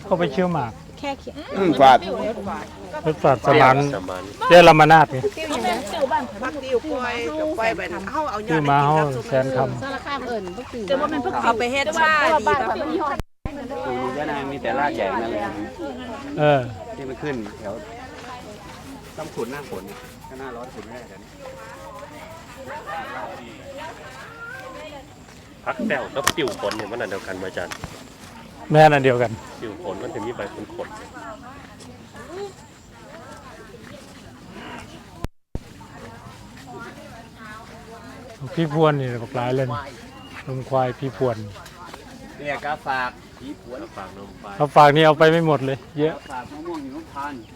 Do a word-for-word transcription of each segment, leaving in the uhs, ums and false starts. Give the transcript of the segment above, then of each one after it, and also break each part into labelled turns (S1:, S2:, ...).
S1: ก็ไปเชี่ยวหมาก
S2: แค่เขียน
S3: ฝาด
S1: รถฝาดสมานเจ้าลำมานาดนี่
S4: พักติวกล้วยกับกล้วยแบบเฮาเอายอ
S1: ชื่อ
S4: ด
S1: มาเฮา
S4: กิน
S1: แสนค
S2: สารคามเอิ่นพวกติว
S4: แต่ว่ามันพวกเอาไปเฮ็ดชาดีแบบ
S3: ยะนางมีแต่รากใหญ่นั่นแหละ
S1: ำเออ
S3: ที่มันขึ้นแถวต้องขุนหน้าฝนก็หน้าร้อนขุนแม่กัน
S5: พักแต้วกับติวผลเนี่ยมันอันเดียวกันไหมอาจารย์
S1: แม่นั่นเดียวกัน
S5: ติวผลมันจะมีใบขนขน
S1: พี่พวนนี่บักหลายเลยลงควายพี่พวน
S3: เนี่ยกาฝากผีผวน
S5: ฝากนมไป
S1: เขาฝากนี่เอาไปไม่หมดเลยเยอะ
S3: ฝากมะม่วงหิมพานต์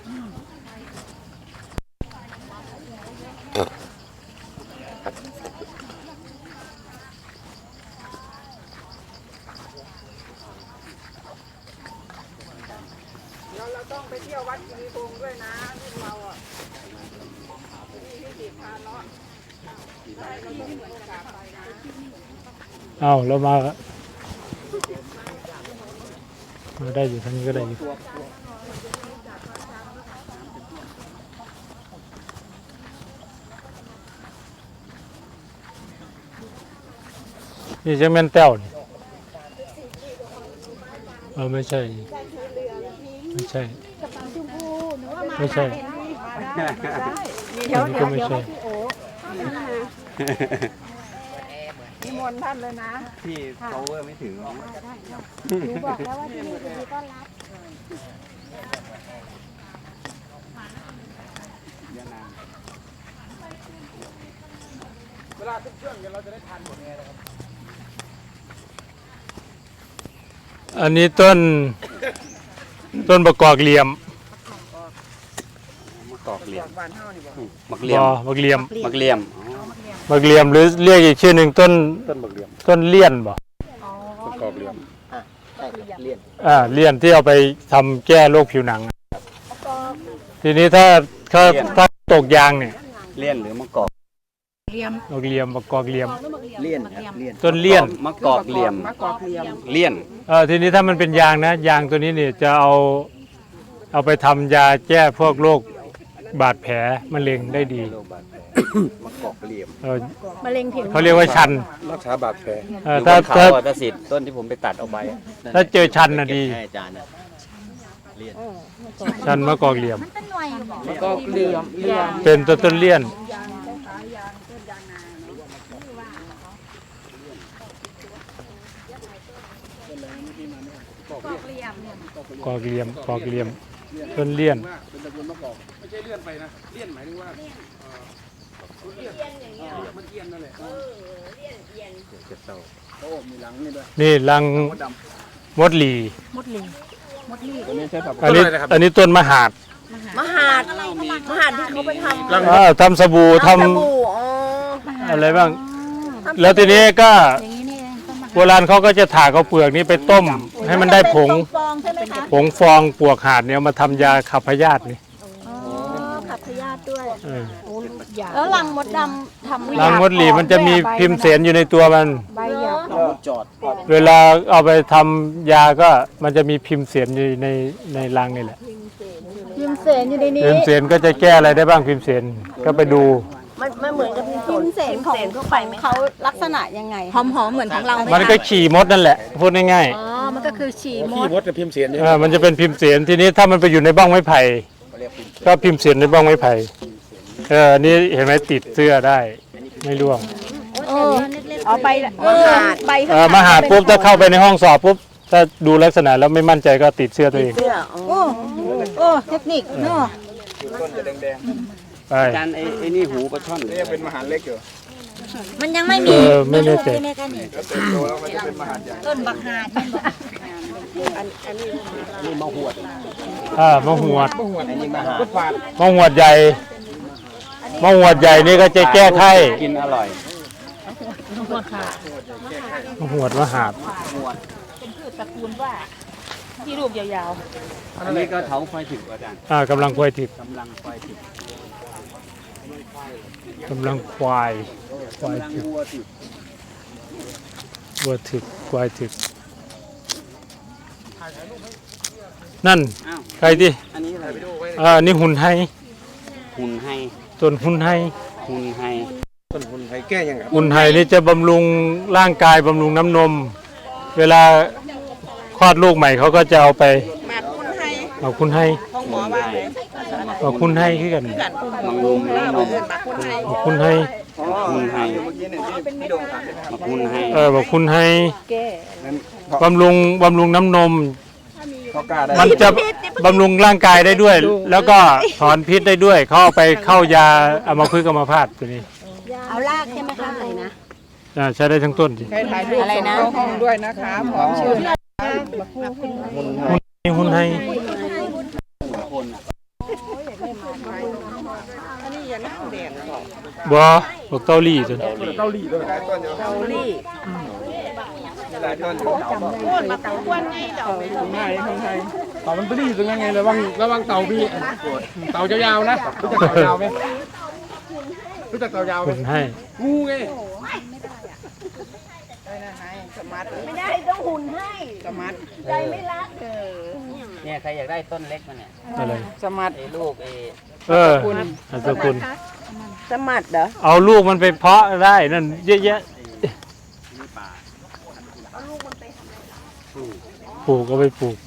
S4: เราต้องไปเที่ยววัดกิริพงษ์ด้วยนะเราอ่ะมีที่ติดพาเนาะ
S1: เอาเรามามาได้อยู่ทางนี้ก็ได้อยู่นี่จะแม่นแต้วนี่เออไม่ใช่ไม่ใช่ไม่ใช่
S4: เดี๋ยว
S1: นี่
S4: เดี๋
S1: ก็
S4: ยว
S1: ไม่
S4: เดี๋ยว
S1: ใช่
S4: พี่โอ๋นิมนต์ท่านเลยนะ
S3: ที่ power ไม่ถึง
S2: หนูบอกแล้วว่าที่นี่จะมีต้อนรับ
S3: ยะนาง
S1: อันนี้ต้นต้นประกอบเหลี่ยม
S3: มะกอกเหลี่ยม
S4: บ้านเฮานี่บ่
S3: มักเหลี่ยม
S1: บักเหลี่ยม
S3: มักเหลี่ยม
S1: บักเหลี่ยมหรือเรียกอีกชื่อหนึ่งต้น
S3: ต้นมักเหลี่ยม
S1: ต้นเลี่ยนบ่
S3: มะกอกเหลี่ยมเลี่ยน
S1: อ่าเลี่ยนที่เอาไปทำแก้โรคผิวหนังทีนี้ถ้าถ้าถ้าตกยางเนี่ย
S3: เลี่ยนหรือมะกอก
S1: บักเหลี่ยมประกอบเหลี่ยม
S3: เลี่ยนครับเลี่ยน
S1: ต้นเลี่ยน
S3: มะกอกเหลี่ยม
S4: มะกอกเหลี่ยม
S3: เลี่ยน
S1: เออทีนี้ถ้ามันเป็นยางนะยางตัวนี้เนี่ยจะเอาเอาไปทำยาแก้พวกโรคบาดแผลมะเร็งได้ดี
S3: โรคบาดแผลมะกอกเหลี่ยม
S1: เออ
S2: มะเร็งผิว
S1: เขาเรียกว่าชัน
S3: รักษาบาดแผล
S1: เออ
S3: อยู่บ
S1: ถ้าน
S3: เขา
S1: ถ้า
S3: อ่ะตาสิทธิ์ต้นที่ผมไปตัดเอาไปอะ
S1: ถ้าเจอชันน่ะดี
S3: ให้อาจารย์นะเลี่ยน
S1: ชันมะกอกเหลี่ยม
S2: เป็นหน่วยอยู่บอก
S4: มะกอกเหลี่ยมเหลี่ยม
S1: เป็นต้นต้นเลี่ยนกอกเหลี่ยมกอกเหลี่ยมต้นเลี่ยน
S6: เป็นตระกูลมะกอกไม่ใช่เลื่อนไปนะเลี่ยนหมายถึงว่าเลี่ยนอย่างเงี้ยมันเอียนนั่นแหละโอ้มีหลังนี่ด้วย
S1: นี่รัง
S6: มดด
S1: มดหลี
S2: มดลิงมดลี
S6: ำตัวนี้ใช้ผัก
S1: อันนี้อันนี้ต้นมะหาด
S4: มหาดมหาดที่เขาไปทำ
S1: อ่าทำสบู่ทำ
S4: สบู่อ๋อ
S1: อะไรบ้าง แล้วทีนี้ก็
S2: อย่างนี้นี่เองต้นมะ
S1: โบราณเขาก็จะถากเอาเปลือกนี้ไปต้ม ให้มันได้ผง
S2: ฟองใช่ไหมคะ
S1: ผงฟองปวกหาดเนี่ยเอามาทำยาขับพยาธินี่
S2: อ๋อขับพยาธิด้วย
S1: เออ
S2: แล้วรังมดดำทำ
S1: รังมดหลีมันจะมีพิมพ์เสนอยู่ในตัวมัน
S2: ใบหยาบ
S3: จอด
S1: เวลาเอาไปทำยาก็มันจะมีพิมพ์เสนอยู่ในในรังนี่แหละ
S2: พิมพ์เสนอยู่ในนี้
S1: พิมพ์เสนก็จะแก้อะไรได้บ้างพิมพ์เสนก็ไปดู
S4: มันมันเหมือนกับ
S2: พิมพ์เสนของ
S4: เข้าไปไหม
S2: เขาลักษณะยังไงหอมๆเหมือนของเราไหม
S1: มันก็ขี่มดนั่นแหละพูดง่าย
S2: อ๋อมันก็คือฉี่ม
S6: ขี้
S2: ด
S6: มดกับพิมพ์เสียน
S1: ๆ
S6: เนี่ย
S1: เออมันจะเป็นพิมพ์เสนทีนี้ถ้ามันไปอยู่ในบ้องไม้ไผ่ก็พิมพ์เสนในบ้องไม้ไผ่เออนี่เห็นไหมติดเสื้อได้ไม่ร่วง
S2: เออเอาไปเออใบ
S1: เออมาหาปุ๊บถ้าเข้าไปในห้องสอบปุ๊บถ้าดูลักษณะแล้วไม่มั่นใจก็ติดเสื้อตัวเอง
S4: เสื้ออ๋อ
S2: โอ้โอ้เทคนิคเนาะ
S6: ต้นจะแดง
S1: ไป
S3: อาจารย์ไอ้ไอ้นี่หูปลาช่อน
S6: ๆนี่ยังเป็นมหาเล็กอยู่
S2: มันยังไม่
S1: เอ
S2: มี
S1: อไม่แน่ใจ
S2: ในกันนี่
S6: แล้วเติบโตแล้วมันจะเป็นมหาใหญ่
S2: ต้นบักหาด
S3: นี่มะหวด
S1: อ่ามะหวด
S3: ไอ้นี่มะหา
S6: พุทธฝาด
S1: มะหวดใหญ่มะหวดใหญ่นี่ก็จะแก้ไข้
S3: กินอร่อย
S1: มะหวดมะหาด
S2: เป็นพืชตระกูลว่าที่รูปยาว
S3: อันนี้ก็เถาไฟถึกอาจารย์
S1: อ่ากำลังควายถิก
S3: กำลังไฟถึก
S1: กำลังควายควาย
S3: กำลัง
S1: ถิก
S3: วัวถึก
S1: วัวถิกควายถิกนั่น
S3: อ้าว
S1: ใครดิ
S3: อันนี้อะไรไปดูไว้
S1: อ่านี่หุ่นไฮ
S3: หุ่นให้
S1: ต้นหุ่นไฮ
S3: หุ่นให้
S6: ต้นทุนไทยแก้ยังไง
S1: หุ่นไฮนี่จะบำรุงร่างกายบำรุงน้ำนม เวลาคลอดลูกใหม่เขาก็จะเอาไป
S4: หมากคุณให้
S1: เอาคุณให้
S4: ของหมอว่าเลย
S1: เอาคุณให้ขึ้นกัน
S4: กัน
S3: บำรุงน้ำนม
S4: หมากคุณให้
S1: เอาคุณให้
S3: หุ่นให้มาหุ่นให้
S1: เออบอกคุณให้
S6: นั้น
S1: บำรุงบำรุงน้ำนม
S6: เขากล้าได้
S1: มันจะบำรุงร่างกายได้ด้วย แล้วก็ถอนพิษได้ด้วย เขาเอาไปเข้ายาอัมพฤกษ์อัมพาตตัวนี้
S2: เอาลากใช่ไหมคะอะไรนะ
S1: อ่าใช้ได้ทั้งต้นสิ
S4: ใครถ่ายรูปส่งเข้าห้องด้วยนะคะพร้อมชื่อ
S1: นี่หุ่นให้
S4: อันนี้อย่านั่งแดดก่อน
S1: บ่บอกเกาหลีตัวนี้
S6: เกาหลีด้วยหลายต้นอยู่
S4: เกาหลี
S6: หลายต้นอยู่
S4: โค่นมาตะวันไงดอก
S6: ของไทยของไทยเต่ามันไปรีบตรงนั้นไงระวังระวังเต่าพี่เต่ายาวๆนะรู้จักเต่ายาวไหมรู้จักเต่ายาวไหม
S1: หุ่นให้
S6: งูไง
S4: ได้นะให้สมัด
S2: ไม่ได้ต้องหุ่นให้
S4: สมัด
S2: ใจไม่รักเออ
S3: เนี่ยใครอยากได้ต้นเล็กมาเนี่ย
S1: อะไร
S4: สมัด
S3: ไอ้ลูกไอ้
S1: เอออันสกุล
S4: สมัดเหรอ
S1: เอาลูกมันไปเพาะได้นั่นเยอะแยะปลูกก็ไปปลูก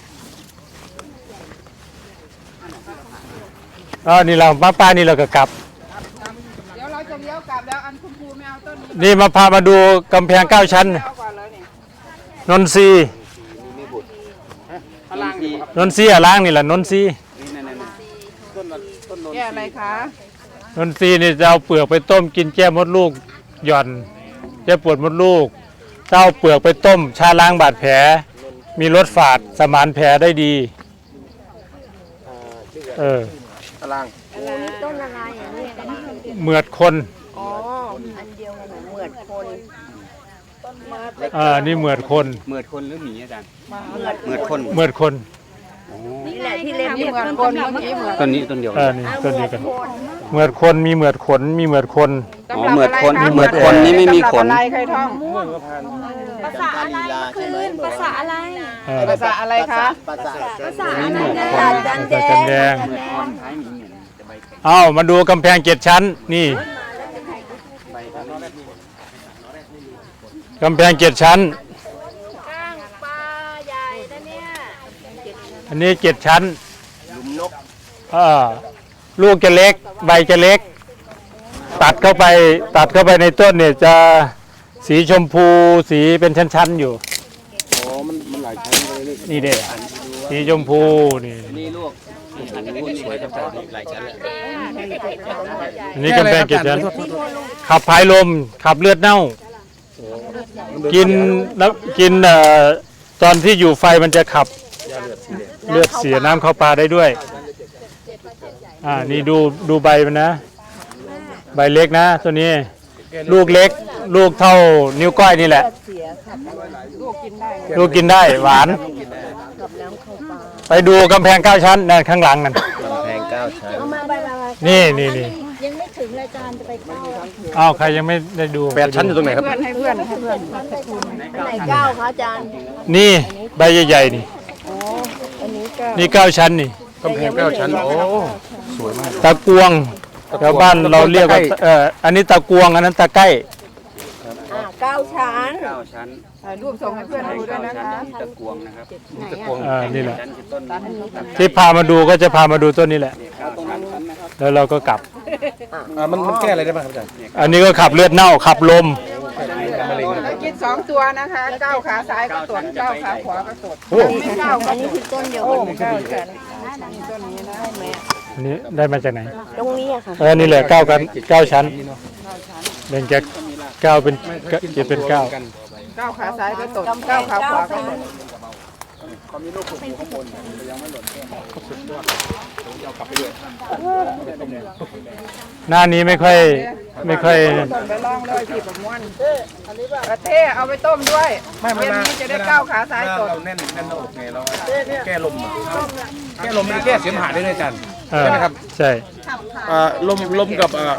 S1: อ๋อนี่เราป้าป้านี่เราก็กลับ
S4: เดี๋ยวเราจะเลี้ยวกลับแล้วอันคุณครูไม่เอาต้นนี้
S1: นี่มาพามาดูกำแพงเก้าชั้น
S4: เอาก่อนเลยนี่
S1: นนทรีย์
S6: พลังดี
S1: นนทรีย์อะล้างนี่แหละนนทรีย์
S3: นี่นั่นนั่นต้นต้นโนน
S4: แก้อะไรคะ
S1: นนทรีย์นี่จะเอาเปลือกไปต้มกินแก้มดลูกหย่อนแก้ปวดมดลูกจะเอาเปลือกไปต้มชาล้างบาดแผล มีรสฝาดสมานแผลได้ดีเออ
S6: พลัง
S2: ต้นอะไรอ่ะเนี่ย
S1: เหมือดคน
S4: อ๋อ
S2: อันเดียวกันเหมือนคน
S1: เออนี่เหมือดคน
S3: เหมือดคนหรือหมีอาจารย์
S2: เหมือน
S3: เหมือดคน
S1: เหมือดคน
S2: นี่แหละที่เล่น
S4: นี่เหมือนคนเมื่อกี้เหมือน
S3: ต้นนี้ต้นเดียว
S1: เออนี่ต้นนี้กันเหมือดคนมีเหมือดขนมีเหมือดคน
S3: อ๋อเหมือดคนเหมือดคนนี่ไม่มีขน
S4: อะไรใครท่อง
S2: ภาษาอะไรคืนภาษาอะไร
S1: เออ
S4: ภาษาอะไรคะ
S2: ภาษาอะไร
S3: นี่เหมือดคน
S2: อาจารย์แด
S1: จัน
S2: ง
S1: แดง
S3: เหมือดคนท้ายหมีเนี่ยจะใบแข็ง
S1: เอามาดูกำแพงเจ็ดชั้นนี่
S3: ใบข้างนอก
S1: กำแพงเจ็ดชั้น
S2: ก้างปลาใหญ่นะเนี่ย
S1: อันนี้เจ็ดชั้น
S3: ลุมนก
S1: เออลูกจะเล็ก ใบจะเล็ก ตัดเข้าไปตัดเข้าไปในต้นเนี่ยจะสีชมพูสีเป็นชั้นๆอยู่
S6: อ๋อมันมันหลายชั้นเลยนี่
S1: นี่เด้สีชมพูนี่
S3: นี่ลูกอันนี้สวยจังเลยหลายชั้นเลย
S1: อันนี้กำแพงเจ็ดชั้นขับผายลมขับเลือดเน่า กินแล้วกินเอ่อตอนที่อยู่ไฟมันจะขับเลือดเสียน้ำเข้าปลาได้ด้วยอ่านี่ดูดูใบมันนะ ใบเล็กนะตัวนี้ ลูกเล็ก ลูกเท่านิ้วก้อยนี่แหละ
S4: ลูกกินได้
S1: ลูกกินได้หวาน ไปดูกำแพงเก้าชั้นนั่นข้างหลังนั่น
S3: กำแพงเก้าชั้น
S2: เอามาใบละ
S1: นี่นี่นี่
S2: ยังไม่ถึงรายการจะไปเก้า
S1: อ้าวใครยังไม่ได้ดู
S6: แปดชั้นอยู่ตรงไหนครับ
S4: เพื่อนให้เพื่อนให้เพื่อน
S2: ไหนเก้าคะอาจารย์
S1: นี่ใบใหญ่ๆนี่
S4: อันนี้ก็
S1: นี่เก้าชั้นนี่
S6: กำแพงเก้าชั้นโอ้สวยมาก
S1: ตะกวงแถวบ้านเราเรียกว่าเอออันนี้ตะกวงอันนั้นตะไก้
S2: อ่าเก้าชั้น
S3: เก้าชั้น
S4: ถ่ายรูปส่งให้เพื่อนดูด้วย
S3: เก้า
S4: นะ
S3: ชั้น
S4: คะ
S3: นี่ตะกวงนะครับ
S6: ตะกวง
S1: อ่านี่แหละ
S3: ชั้นคือต้น
S1: ที่พามาดูก็จะพามาดูต้นนี้แหละ
S3: เอาตรงนั้นชั้นนะครับ
S1: แล้วเราก็กลับ
S6: อ่ามันมันแก้อะไรได้บ้างครับอาจารย์
S1: อันนี้ก็ขับเลือดเน่าขับลม
S4: แล้วกินสองตัวนะคะก้าวขาซ้ายก็ตดก้าวขาขวาก็ตด
S6: โอ้
S4: ไม่ก้าวก็
S2: อันนี้คือต้นเดียวกัน
S4: ก้าวฉันต้นนี้นะแม่
S1: อันนี้ได้มาจากไหน
S2: ตรงนี้อะค่ะ
S1: เออนี่แหละเก้ากันเก้าชั้นแบ่งจากเก้าเป็นเจ็ดเป็นเก้า
S4: ก้าวขาซ้ายก็ตดก้าวขาขวาก็ตด
S1: หน้านี้ไม่ค่อยไม่ค่อย
S4: ต้มไปลองเลยพี่ประมวลกระเทเอาไปต้มด้วย
S6: ไม่ไม่
S4: เย็น
S6: มา
S4: นี้จะได้ก้าวขาซ้ายตด
S6: เราแน่นแน่นหน้าอกไงเราแก้ลมอ่ะแก้ลมมันแก้เสมหะได้ด้วยอาจารย์
S1: เออ
S6: ใช่ไหมครับ
S1: ใช่
S6: อ่าลมลมกับอ่า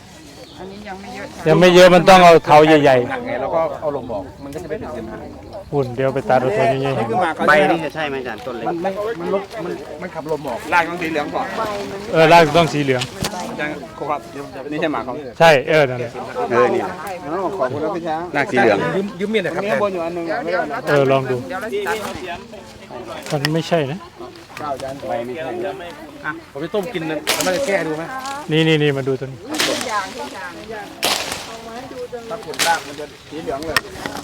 S4: อันนี้ยังไม่เยอะ
S1: ยังไม่เยอะมันต้องเอาเท้าใหญ่
S6: หนักไงแล้วก็เอาลมบอกมันก็จะไม่เป็นเสมหะ
S1: ๆหุ่นเดี๋ยวไปตัดเอาตัวนี้
S6: นี่คือหมาก
S3: ใบนี่จะใช่ไหมอาจารย์ต้นเล็ก
S6: มันไม่มันลบมันมันขับลมออกรากต้องสีเหลืองก่อน
S1: เออรากต้องสีเหลือง
S6: อาจารย์ครับนี่ใช่หมากเขา
S1: ใช่เออนั่นแหละ
S3: เออนี่
S6: ขอบคุณครับพี่ช้าง
S3: รากสีเหลือง
S6: ยืมยืมเมียหน่อยครับบนอยู่อันนึงไม่ได้นะ
S1: เออลองดู
S4: เดี๋ยวเราตัด
S1: มันไม่ใช่นะ
S6: ข้าวอาจารย์ใบไม่ใช่อ่ะผมไปต้มกินแล้วมันจะแก้ดูไหม
S1: นี่นี่นี่มาดูตัวนี้
S4: ทุกอย่างทุกอย่าง
S6: ถ้าผลรากมันจะสีเหลืองเลย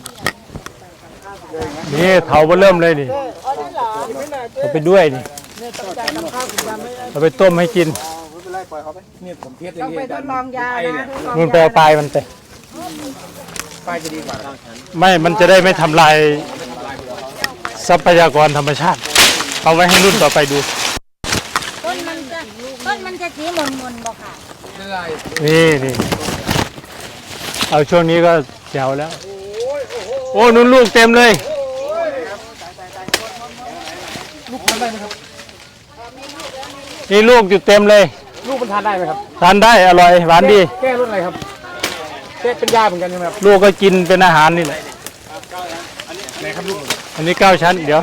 S1: นี่เถาเบอเริ่มเลยนี่เอาไปด้วยนี่เอาไปต้มให้กิน
S6: ไม่เป็นไรปล่อยเขาไปนี่ผมเทสอ
S4: ต้
S6: ย่า
S4: อง
S6: ง
S4: ไป
S6: นี้
S4: ทดลองยานะทดลอง
S1: มันไปเอาปลายมันไป
S6: ป้ายจะดีกว่า
S1: ไม่มันจะได้ไม่ทำลายทรัพยากรธรรมชาติ เอาไว้ให้รุ่นต่อไปดู
S2: ต้นมันจะต้นมันจะสีมนมนๆบ่ค่ะ
S6: ไม่เป็นไร
S1: นี่นี่เอาช่วงนี้ก็แจ๋วแล้ว โอ้นุ่นลูกเต็มเลย
S6: ลูกทานได้ไหมครับ
S1: นี่ลูกอยู่เต็มเลย
S6: ลูกมันทานได้ไหมครับ
S1: ทานได้อร่อยหวานดี
S6: แก้รสอะไรครับแก้เป็นยาเหมือนกันใช่ไหมครับ
S1: ลูกก็กินเป็นอาหารนี่แหละ
S6: ไหนครับลูก
S1: อันนี้เก้าชั้นเดี๋ยว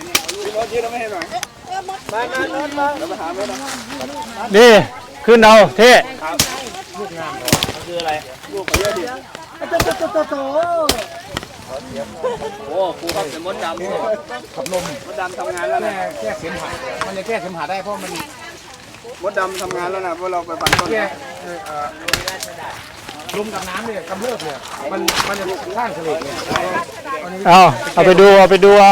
S1: นี่ขึ้นเอาเท่
S3: โอ้ครูครับเป็นมดดำ
S6: ขับลมมดดำทำงานแล้วนะแก้เสมหะมันจะแก้เสมหะได้เพราะมันมดดำทำงานแล้วนะเพราะเราไปปั่นต้นแก้ลมกับน้ำเนี่ยกำเริบเนี่ยมันมันจะสร้างเสลดเนี่ย
S1: เอาเอาไปดูเอาไปดูเอา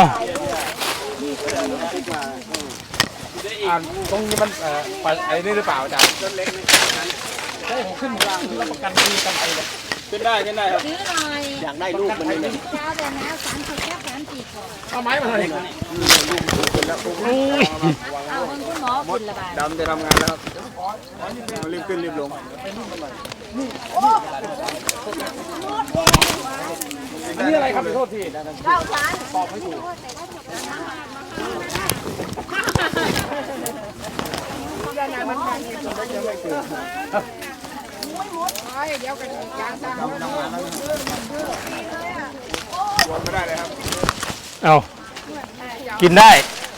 S6: อ่าตรงนี้มันเอ่อปไอ้นี่หรือเปล่าอาจารย์ต้นเล็กใช่ผมขึ้นรับประกันมีกันไปเลยขึ้นได้ขึ้นได้ครับ
S2: ซื้อหน่อย
S3: อยากได้ลูกมันนี่เลย
S2: เช้าแต่น้ำสามสิบแค่สามสิบก่อน
S6: เอาไม้มาเลย
S2: เอาคนคุณหมอคุณละบาท
S6: ดำจะทำงานแล้วครับรีบขึ้นรีบลงอันนี้อะไรครับขอโทษที
S2: เก้าชั้น
S6: ตอบไม่ถูก
S4: เดี๋ยวกันยางสร้าง
S6: ไม่ได้เลยครับ
S1: เอากินได้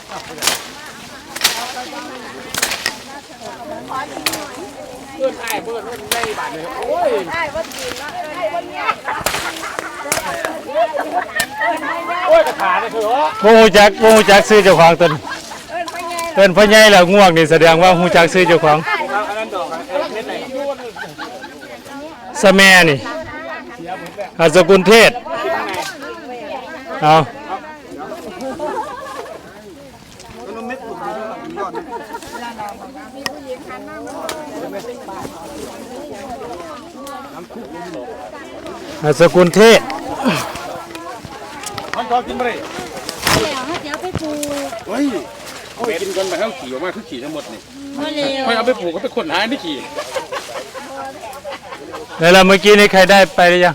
S6: เพื่อนไอ้เพื่อนได้บาทเลยโอ้ย
S4: ได้ว่าดีนะได้ว่าเนี้ย
S6: โอ้ยกระถาเลยคือว่า
S1: โมหูจักโมหูจักซื้อเจ้าของตน
S4: เอิ้นไปไง
S1: เอิ้นพ่อใหญ่แล้วง่วงนี่แสดงว่าหูจักซื้อเจ้าของ
S6: อันนั้นดอกเม็ดไหน
S1: สะแมนี่อาสกุลเทศเอา
S6: มันเม็ดปุ่มยอด
S1: อาสกุลเทศ
S6: มันชอบกินไปเลย
S2: แล้วให้เดี๋ยวไปปลูก
S6: เฮ้ยเขากินกันไปทั้งขี่ออกมาคือขี่ทั้งหมดนี่
S2: มะเร็ว
S6: ไม่เอาไปปลูกก็ไปขนหาไม่ขี่
S1: แล้วเราเมื่อกี้นี้ใครได้ไปหรือยัง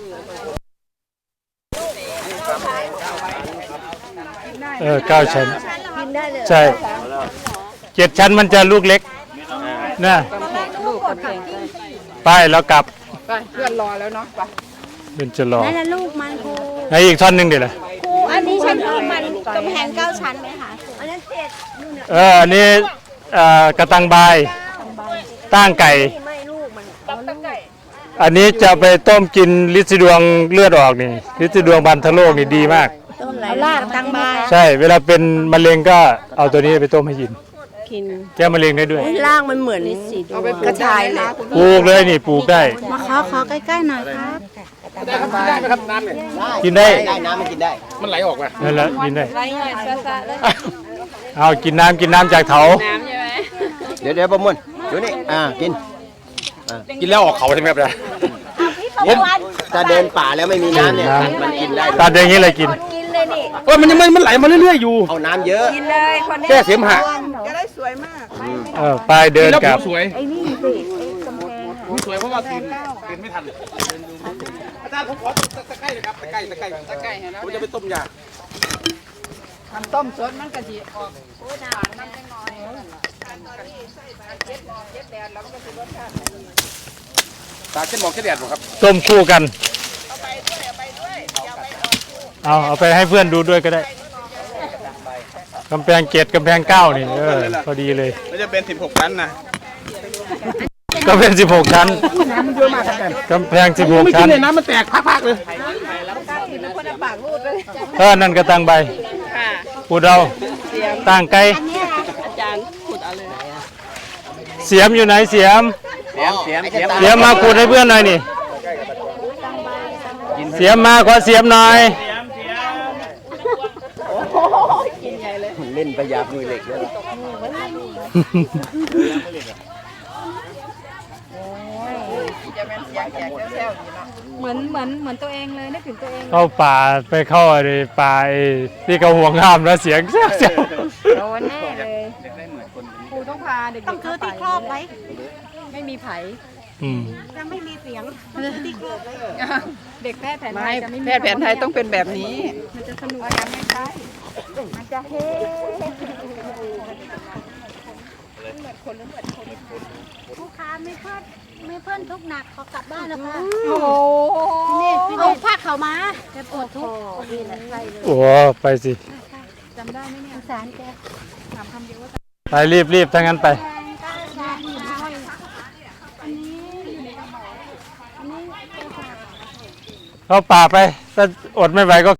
S1: เออเก้าชั้น
S2: กินได้เลย
S1: ใช่เจ็ดชั้นมันจะลูกเล็กนะ
S4: ลูกกันเอง
S1: ไปแล้วกลับ
S4: ไปเพื่อนรอแล้วเนาะไป
S1: เป็นจะรอ
S2: นั่นแหละลูกมันครู
S1: ในอีกท่อนหนึ่งเดี๋ยวเลย
S2: ครูอันนี้ชั้นลูกมันกำแพงเก้าชั้นไหมคะอันนั้นเจ็ด
S1: เอออันนี้เอ่อกระตังบายตั้งไก่
S2: ไม่ลูกมัน
S1: อันนี้จะไปต้มกินลิซิดวงเลือดออกนี่ลิซิดวงบันทะโลกนี่ดีมาก
S2: ต้นไหลลากตังบาย
S1: ใช่เวลาเป็นมะเร็งก็เอาตัวนี้ไปต้มให้กิน
S2: กิน
S1: แก้มะเร็งได้ด้วย
S2: ล่างมันเหมือนกระชายเลย
S1: ปลูกเลยนี่ปลูกได้
S2: มาขอขอใกล้ๆหน่อยครับ
S6: ได้ครับได้ไหมครับน้ำเนี่ย
S1: กินได้
S3: ได้น้ำมันกินได้
S6: มันไหลออกมา
S1: นั่นแหละกินได้
S2: ไรหน่อยซะๆเลย
S1: เอากินน้ำกินน้ำจากเถา
S3: เดี๋ยวเดี๋ยวประมุนดูนี่อ่ากิน
S6: กินแล้วออกเขาใช่ไหมครับเนี่ย
S3: ถ้าเดินป่าแล้วไม่มีน้ำเนี่ยมันกินได้
S1: ตัดอย่างนี้เลยกิน
S2: กินเลยนี่
S6: โอ้ยมันยังมันมันไหลมาเรื่อยๆอยู่
S3: เอาน้ำเยอะ
S4: กินเลยคนนี้
S6: แก้เสมหะ
S4: จะได้สวยมาก
S1: เออไปเดิน
S6: แล้ว
S1: กลับ
S6: สวย
S2: ไอ้นี่สิไอ้กำแพง
S6: ผมสวยเพราะว่าตื่นตื่นไม่ทันอาจารย์ผมขอตะไคร้เลยครับตะไคร้ตะไคร้ตะไคร้ผมจะไปต้มยา
S4: ทำต้มสดมันก็สิออกโอ้ยหวานมันจังหน่อยเจ็ดหมอกเจ็ดแดดแล้วมันก็สิรสชาติดี
S6: ตาเช่นหมอกเช่นแดดผมครับ
S1: ต้มคู่กัน
S4: เอาไปด้วยเอาไปด้วยอย่าไปออกคู่
S1: เอาเอาไปให้เพื่อนดูด้วยก็ได้กำแพงเจ็ดกำแพงเก้านี่เออพอดีเลย
S6: มันจะเป็นสิบหกชั้นนะ
S1: ก็เป็นสิบหกชั้น
S6: น้ำมันเยอะมากครับแก
S1: กำแพงสิบหก
S6: ไม่กิ
S1: ชั้
S6: น
S1: น
S6: เลยน้ำมันแตกพักๆเลย
S4: คนเอาปากรูดเลย
S1: เออนั่นก็ตั้งใบ
S4: ค่ะ
S1: พูดเอาตั้งไกล
S4: อาจารย์ขุดเอาเลย
S1: เสียมอยู่ไหนเสียม
S3: เสียมเสียมเสียม
S1: เสียมมาขุดให้เพื่อนหน่อยนี่เสียมมาขอเสียมหน่อย
S3: เล่นประหยัดมือเหล็กเลย
S4: จะเป็นเสียงแขกแซวๆอยู่เนาะ
S2: เหมือนเหมือนเหมือนตัวเองเลยนึกถึงตัวเอง
S1: เข้าป่าไปเข้าอะไรป่าไอ้ที่เขาห่วงห้ามแล้วเสียงเสียวเสียว
S2: โดนแน่เลยครูต้องพาเด็กๆต้องคือที่ครอบไว้ไม่มีไผ
S1: อืม
S2: จะไม่มีเสียงที่ครอบไว้เด็กแพทย์แผนไท
S4: ไม่
S2: ยจะไม่มี
S4: แพทย์แผนไทยต้องเป็นแบบนี้
S2: มันจะสนุกกันไม่ใช่มันจะเฮ้
S7: ลูกค้าไม่เพิ่นไม่เพิ่นทุกข์หนักขอกลับบ้านนะคะ
S2: โอ้โห
S7: นี่เอาผ้าเขาวมาแต่ปวดทุกข์นี่แหละใช่เลย
S1: โอ้ไปสิ
S2: จำได้ไหมเนี่ย
S7: สงสารแก
S2: ถามคำเดียวว่า
S1: ไปรีบรีบถ้างั้นไป
S7: แฟนก็ยาอยู่ให้อันนี้อยู่ในกระบอกอันนี้เป็นของ
S1: เข้าป่าไปถ้าอดไม่ไหวก็